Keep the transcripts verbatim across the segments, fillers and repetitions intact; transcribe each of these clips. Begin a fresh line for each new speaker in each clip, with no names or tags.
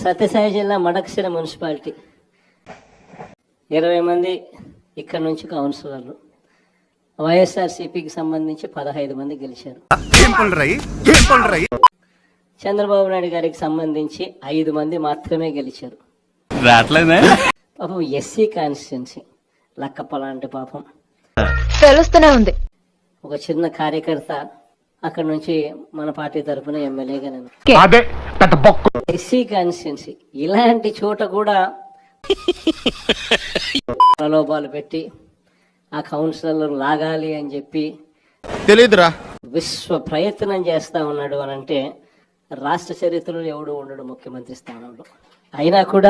సత్యసాయి జిల్లా మడకశిర మున్సిపాలిటీ ఇరవై మంది ఇక్కడ నుంచి కౌన్సిలర్లు, వైఎస్ఆర్సీపీకి సంబంధించి పదహైదు మంది గెలిచారు. చంద్రబాబు నాయుడు గారికి సంబంధించి ఐదు మంది మాత్రమే గెలిచారు. పాపం ఎస్సీ కాన్స్టిట్యున్సీ లక్కప్ప లాంటి పాపం
తెలుస్తూనే ఉంది.
ఒక చిన్న కార్యకర్త అక్కడ నుంచి మన పార్టీ తరఫున ఎమ్మెల్యేగా నేను ఎస్సీ కాన్స్టిట్యున్సీ ఇలాంటి చోట కూడా ప్రలోభాలు పెట్టి ఆ కౌన్సిలర్ లాగాలి అని చెప్పి
తెలియదురా
విశ్వ ప్రయత్నం చేస్తా ఉన్నాడు అని అంటే రాష్ట్ర చరిత్రలో ఎవడు ఉండడు ముఖ్యమంత్రి స్థానంలో. అయినా కూడా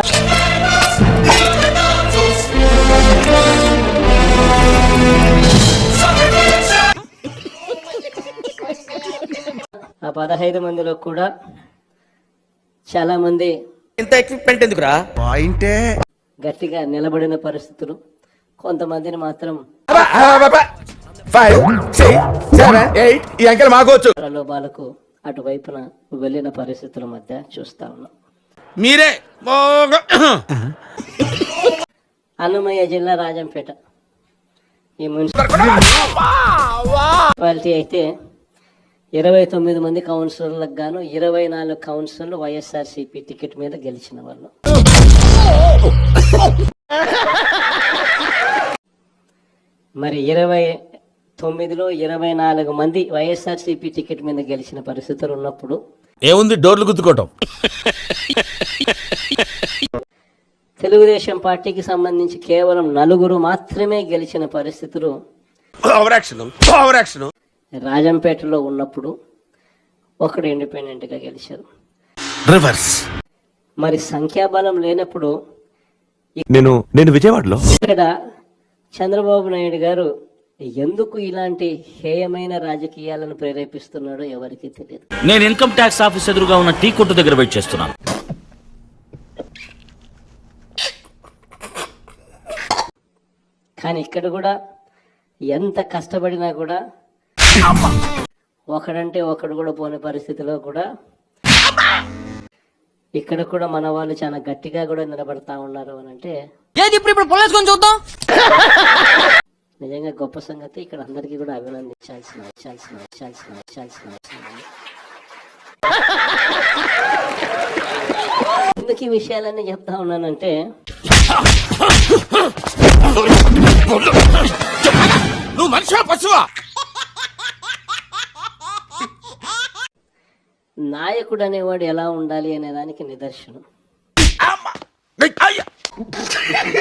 ఆ పదహైదు మందిలో కూడా చాలా మంది
ఇంత ఎక్విప్మెంట్ ఎందుకురా పాయింటే
గట్టిగా నిలబడిన పరిస్థితులు, కొంతమందిని మాత్రం ప్రలోభాలకు అటువైపున వెళ్ళిన పరిస్థితుల మధ్య చూస్తా ఉన్నాం.
మీరే
అన్నమయ్య జిల్లా రాజంపేట ఈ మున్సిపాలిటీ అయితే ఇరవై తొమ్మిది మంది కౌన్సిలర్లకు గాను ఇరవై నాలుగు కౌన్సిలర్లు వైఎస్ఆర్సీపీ టికెట్ మీద గెలిచిన వాళ్ళు. మరి ఇరవై తొమ్మిదిలో ఇరవై నాలుగు మంది వైఎస్ఆర్సీపీ టికెట్ మీద గెలిచిన పరిస్థితులు ఉన్నప్పుడు
ఏముంది డోర్లు గుద్దుకోవటం.
తెలుగుదేశం పార్టీకి సంబంధించి కేవలం నలుగురు మాత్రమే గెలిచిన పరిస్థితులు రాజంపేటలో ఉన్నప్పుడు ఒకడు ఇండిపెండెంట్ గా గెలిచారు.
రివర్స్
మరి సంఖ్యాబలం లేనప్పుడు
నేను నేను విజయవాడలో
ఇక్కడ చంద్రబాబు నాయుడు గారు ఎందుకు ఇలాంటి హేయమైన రాజకీయాలను ప్రేరేపిస్తున్నాడో ఎవరికీ తెలియదు.
నేను ఇన్కమ్ ట్యాక్స్ ఆఫీస్ ఎదురుగా ఉన్న టీ కొట్టు దగ్గర వెయిట్ చేస్తున్నాను.
కానీ ఇక్కడ కూడా ఎంత కష్టపడినా కూడా ఒకడంటే ఒకడు కూడా పోని పరిస్థితిలో కూడా ఇక్కడ కూడా మన వాళ్ళు చాలా గట్టిగా కూడా నిలబడతా ఉన్నారు అని అంటే నిజంగా గొప్ప సంగతి. ఇక్కడ అందరికీ కూడా అభినందించాల్సిన ఇచ్చాల్సిన ఇచ్చాల్సిన ఇచ్చాల్సిన ఎందుకు ఈ విషయాలన్నీ చెప్తా ఉన్నానంటే
నువ్వు మనిషివా పశువా?
నాయకుడు అనేవాడు ఎలా ఉండాలి అనే దానికి నిదర్శనం